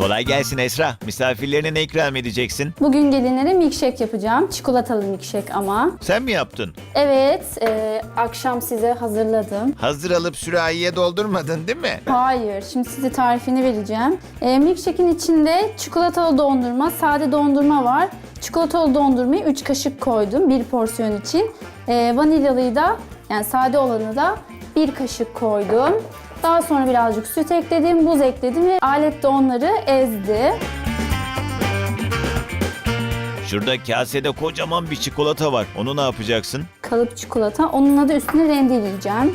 Kolay gelsin Esra. Misafirlerine ne ikram edeceksin? Bugün gelinlere milkshake yapacağım. Çikolatalı milkshake ama. Sen mi yaptın? Evet, akşam size hazırladım. Hazır alıp sürahiye doldurmadın değil mi? Hayır, şimdi size tarifini vereceğim. Milkshake'in içinde çikolatalı dondurma, sade dondurma var. Çikolatalı dondurmayı 3 kaşık koydum bir porsiyon için. Vanilyalıyı da, yani sade olanı da 1 kaşık koydum. Daha sonra birazcık süt ekledim, buz ekledim ve alet de onları ezdi. Şurada kasede kocaman bir çikolata var. Onu ne yapacaksın? Kalıp çikolata, onunla da üstüne rendeleyeceğim.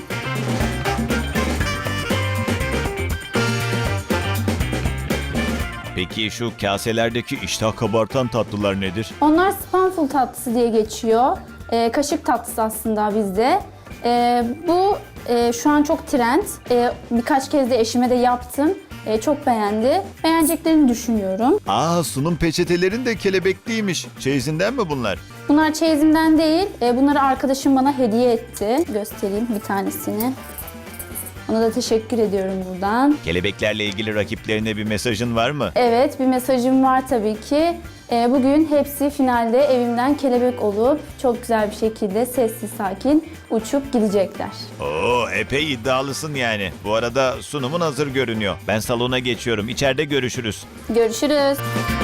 Peki şu kaselerdeki iştah kabartan tatlılar nedir? Onlar spanful tatlısı diye geçiyor. Kaşık tatlısı aslında bizde. Bu şu an çok trend. Birkaç kez de eşime de yaptım. Çok beğendi. Beğeneceklerini düşünüyorum. Aa, sunum peçetelerin de kelebekliymiş. Çeyizinden mi bunlar? Bunlar çeyizimden değil. Bunları arkadaşım bana hediye etti. Göstereyim bir tanesini. Ona da teşekkür ediyorum buradan. Kelebeklerle ilgili rakiplerine bir mesajın var mı? Evet, bir mesajım var tabii ki. Bugün hepsi finalde evimden kelebek olup çok güzel bir şekilde sessiz sakin uçup gidecekler. Oo, epey iddialısın yani. Bu arada sunumun hazır görünüyor. Ben salona geçiyorum. İçeride görüşürüz. Görüşürüz.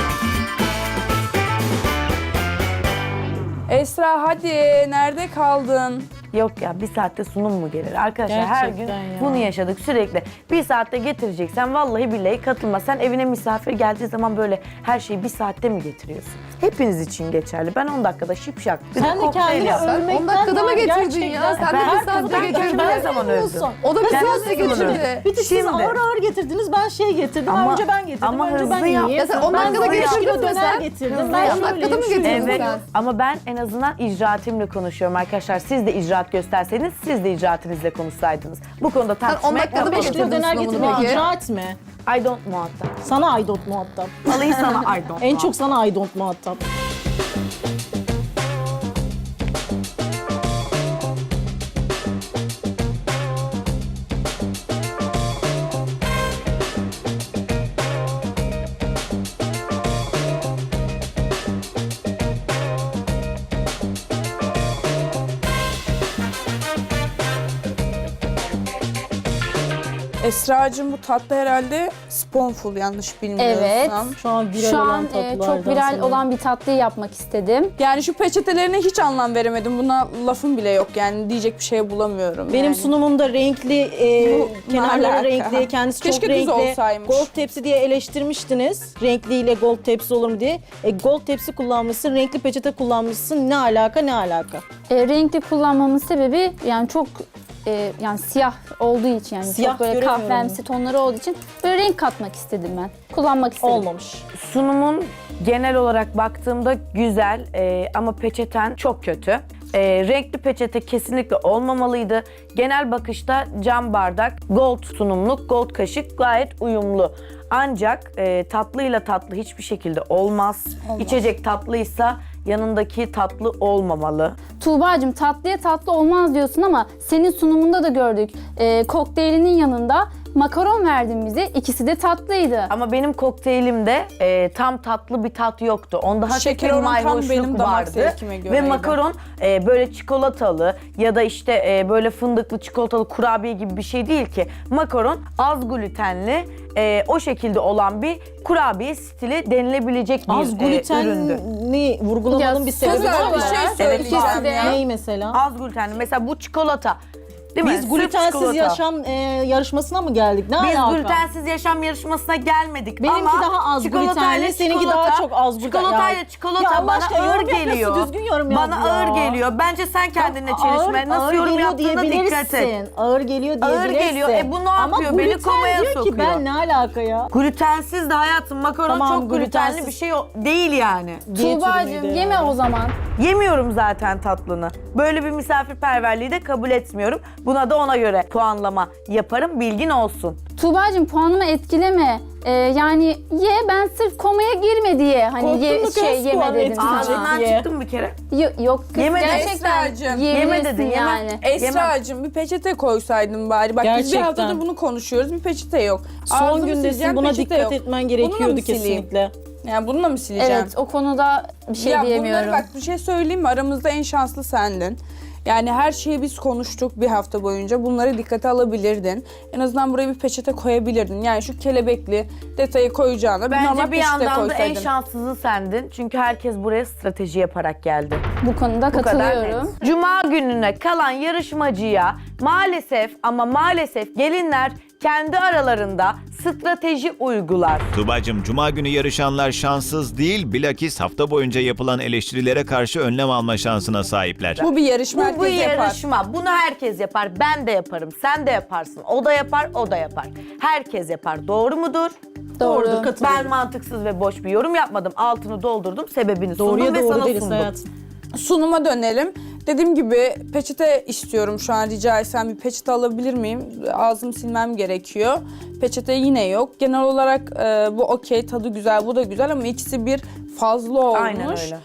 Esra hadi nerede kaldın? Yok ya, bir saatte sunum mu gelir? Arkadaşlar her gün Gerçekten ya. bunu yaşadık sürekli. Bir saatte getireceksen vallahi billahi katılma. Sen evine misafir geldiği zaman böyle her şeyi bir saatte mi getiriyorsun? Hepiniz için geçerli. Ben 10 dakikada şipşak. Bir de Sen de kokteyl kendini yapsam. övmekten 10 dakikada mı var getirdin gerçekten. ya? Sen de Ben bir saatte ben getirdin. ne zaman öldüm? O da bir Kendisi saatte bunu getirdi. öldü. Bir de siz Şimdi. ağır ağır getirdiniz, ben şey getirdim. Ama- önce ben getirdim, ama önce ben hızlı yiyeyim. yap. Ya sen 10 Ben dakikada 5 getirdin kilo mi döner sen? getirdim. Hızlı Ben 10 şöyleyim, dakikada mı şöyleyim. getirdin Evet sen? ama ben en azından icraatimle konuşuyorum arkadaşlar. Siz de icraat gösterseydiniz, siz de icraatinizle konuşsaydınız. Bu konuda 10 tartışmak dakikada yok. 5 kilo getirdin döner sunumunu getirmek peki? icraat mi? I don't muhatap. Sana aydot muhatap. Alayı sana I don't En çok sana aydot muhatap. Esra'cığım bu tatlı herhalde sponful yanlış bilmiyorsam. Evet. Şu an viral Şu olan an tatlılardan çok viral sanırım. olan bir tatlıyı yapmak istedim. Yani şu peçetelerine hiç anlam veremedim. Buna lafım bile yok yani diyecek bir şey bulamıyorum. Benim yani. sunumumda renkli, Bu ne kenarları alaka? renkli, kendisi Keşke çok düz renkli. olsaymış. Gold tepsi diye eleştirmiştiniz. Renkliyle gold tepsi olur mu diye. Gold tepsi kullanmışsın, renkli peçete kullanmışsın. Ne alaka, ne alaka? Renkli kullanmamın sebebi yani çok yani siyah olduğu için, yani Siyah çok böyle göremiyorum. kahvemsi tonları olduğu için böyle renk katmak istedim ben. Kullanmak istedim. Olmamış. Sunumun genel olarak baktığımda güzel ama peçeten çok kötü. Renkli peçete kesinlikle olmamalıydı. Genel bakışta cam bardak, gold sunumluk, gold kaşık gayet uyumlu. Ancak tatlıyla tatlı hiçbir şekilde olmaz. İçecek tatlıysa yanındaki tatlı olmamalı. Tuğba'cığım tatlıya tatlı olmaz diyorsun ama senin sunumunda da gördük. Kokteylinin yanında makaron verdin bize. İkisi de tatlıydı. Ama benim kokteylimde tam tatlı bir tat yoktu. Onda Şeker hafif bir oranı tam mayhoşluk benim damak vardı. zevkime göreydi. Ve makaron böyle çikolatalı ya da işte böyle fındıklı çikolatalı kurabiye gibi bir şey değil ki. Makaron az glutenli o şekilde olan bir kurabiye stili denilebilecek bir Az üründü. glutenli vurgulamanın Ya, bir sebebi Güzel var bir mı? şey Evet, söyleyeceğim ikisi de. ya. Ney mesela? Az glutenli. Mesela bu çikolata. Değil mi? Biz Sırf glutensiz çikolata. yaşam yarışmasına mı geldik? Ne Biz alaka? glutensiz yaşam yarışmasına gelmedik Benimki ama daha az çikolatayla glutenli, seninki çikolata- daha çok az gluten. Çikolatayla çikolata Ya bana başka ağır yorum yapıyorsun, geliyor. düzgün yorum yap Bana ya. ağır geliyor. Bence sen kendinle çelişme. Nasıl ağır yorum geliyor yaptığına dikkat et. diyebilirsin. Ağır geliyor Ağır diyebilirsin. geliyor. Bu ne Ama yapıyor? Beni gluten komaya diyor sokuyor. ki ben ne alaka ya? Glutensiz de hayatım makaron Tamam, çok glutenli glutensiz. bir şey değil yani. Diyet Tuğba'cığım ürünüydü yeme yani. o zaman. Yemiyorum zaten tatlını. Böyle bir misafirperverliği de kabul etmiyorum. Buna da ona göre puanlama yaparım. Bilgin olsun. Tuğba'cığım puanımı etkileme. Yani ye, ben sırf komaya girme diye hani Korktun mu kız? yeme Puan dedim etkileyecek sana. Ağzından diye. çıktım bir kere. Yok kız, Yeme de gerçekten Esra'cığım. yiyebilirsin Yeme dedin, yeme. yani. Esra'cığım bir peçete koysaydın bari. Bak biz bir Gerçekten. haftadır bunu konuşuyoruz. Bir peçete yok. Son Ağzımı gündesin, sileceğim, buna peçete dikkat yok. etmen Bununla gerekiyordu mı sileyim? kesinlikle. Yani bununla mı sileceğim? Evet, o konuda bir şey ya diyemiyorum. bunları bak bir şey söyleyeyim mi? Aramızda en şanslı sendin. Yani her şeyi biz konuştuk bir hafta boyunca. Bunları dikkate alabilirdin. En azından buraya bir peçete koyabilirdin. Yani şu kelebekli detayı koyacağına bir normal Bence bir peçete yandan da en koysaydın. şanssızı sendin. Çünkü herkes buraya strateji yaparak geldi. Bu konuda Bu kadar katılıyorum. net. Cuma gününe kalan yarışmacıya maalesef ama maalesef gelinler kendi aralarında strateji uygular. Tuba'cığım, cuma günü yarışanlar şanssız değil, bilakis hafta boyunca yapılan eleştirilere karşı önlem alma şansına sahipler. Bu bir yarışma, Bu herkes yapar. yarışma. Bunu herkes yapar. Ben de yaparım. Sen de yaparsın. O da yapar, o da yapar. Herkes yapar. Doğru mudur? Doğru. Katılıyorum. Ben mantıksız ve boş bir yorum yapmadım. Altını doldurdum. Sebebini Doğruya sundum ve doğru sana deriz sundum. hayatım. Sunuma dönelim. Dediğim gibi peçete istiyorum şu an, rica etsem bir peçete alabilir miyim? Ağzımı silmem gerekiyor. Peçete yine yok. Genel olarak bu okey, tadı güzel, bu da güzel ama ikisi bir fazla olmuş. Aynen öyle.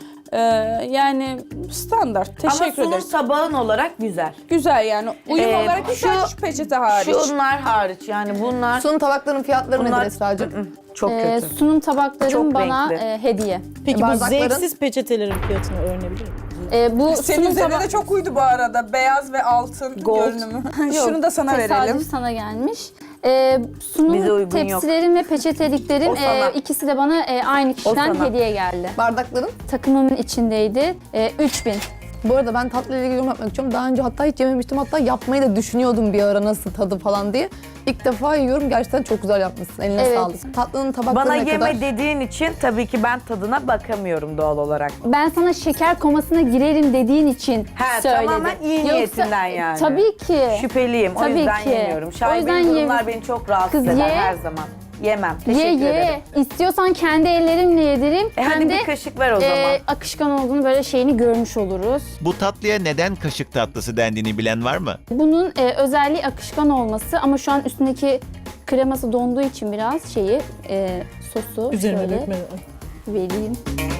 Yani standart. Ama Teşekkür sunum ederiz. tabağın olarak güzel. Güzel yani. Uyum olarak güzel, şu peçete hariç. Şunlar hariç yani bunlar Sunum tabaklarının fiyatları Bunlar- nedir Esra'cığım? çok kötü. Sunum tabaklarım Çok bana renkli. hediye. Peki bu Bardakların- zevksiz peçetelerin fiyatını öğrenebilir miyim? Bu Senin sunum üzerine tabak... de çok uydu bu arada. Beyaz ve altın Gold. görünümü. Şunu da sana Tesadüf verelim. sana gelmiş. Bize Sunum uygun yok. tepsilerim ve peçeteliklerim O sana. ikisi de bana aynı kişiden sana. hediye geldi. Bardakların. Takımımın içindeydi. 3000. Bu arada ben tatlı ile ilgili yorum yapmak istiyorum. Daha önce hatta hiç yememiştim. Hatta yapmayı da düşünüyordum bir ara nasıl tadı falan diye. İlk defa yiyorum. Gerçekten çok güzel yapmışsın. Eline Evet. sağlık. Tatlının tabakları Bana ne yeme kadar? dediğin için tabii ki ben tadına bakamıyorum doğal olarak. Ben sana şeker komasına girerim dediğin için He, söyledim. tamamen iyi niyetinden yani. Tabii ki. Şüpheliyim. O Tabii yüzden ki. yemiyorum. O Şaibeli yüzden durumlar beni çok rahatsız Kız eder ye. her zaman. Yemem. Ye Teşekkür ederim. ye. İstiyorsan kendi ellerimle yedireyim. Hadi Hem de bir kaşık ver o zaman. akışkan olduğunu böyle şeyini görmüş oluruz. Bu tatlıya neden kaşık tatlısı dendiğini bilen var mı? Bunun özelliği akışkan olması ama şu an üstündeki kreması donduğu için biraz sosu Üzerine şöyle dökme. vereyim.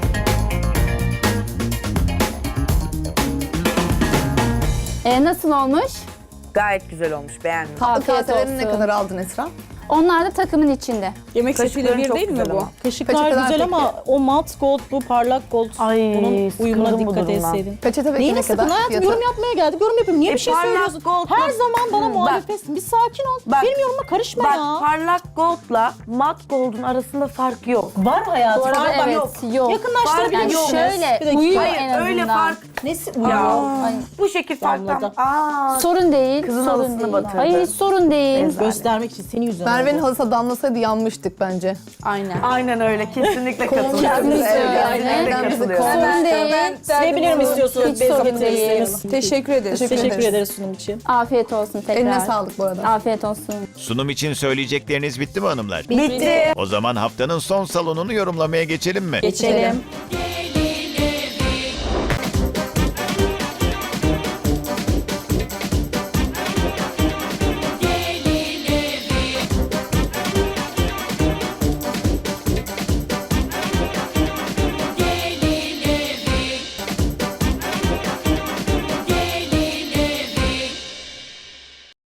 Nasıl olmuş? Gayet güzel olmuş. Beğendim. Tatlı Afiyet kaselerini ne olsun. kadar aldın Esra? Onlar da takımın içinde. Yemek setiyle Kaşıkların bir çok değil mi güzel bu? ama. Kaşıklar Peçeteler güzel peki? ama o mat gold, bu parlak gold. Ay, Bunun uyumuna sıkıldım bu dikkat durumdan. etseydin. Peçete peki Neyine ne sıkın kadar? hayatım? Fiyatı? Yorum yapmaya geldik. Yorum yapayım. Niye bir şey parlak söylüyorsun? gold Her bak. zaman bana Bak. muhalefetsin. Bir sakin ol. Bak. Benim yorumuma karışma Bak ya. parlak goldla mat gold'un arasında fark yok. Var hayatım. Bu arada var, bak, evet, yok. Yakınlaştırabilir Yani misiniz? şöyle Bir dakika. uyuyor Hayır en azından. öyle fark. Nesi? Ya Ay, bu şekil farktan. Damladı. sorun değil. Kızın sorun halısını değil. batırdı. Hayır hiç sorun değil. Ezber. Göstermek için senin yüzünden Merve'nin oldu. halısa damlasaydı yanmıştık bence. Aynen. Aynen öyle. Kesinlikle katılıyorum. Kesinlikle öyle. Kesinlikle Neden bizi katılıyorum. Sorun değil. Silebilir mi istiyorsunuz? Hiç sorun değil. Teşekkür ederiz. Teşekkür ederiz sunum için. Afiyet olsun tekrar. Eline sağlık bu arada. Afiyet olsun. Sunum için söyleyecekleriniz bitti mi hanımlar? Bitti. O zaman haftanın son salonunu yorumlamaya geçelim mi? Geçelim. Yeah,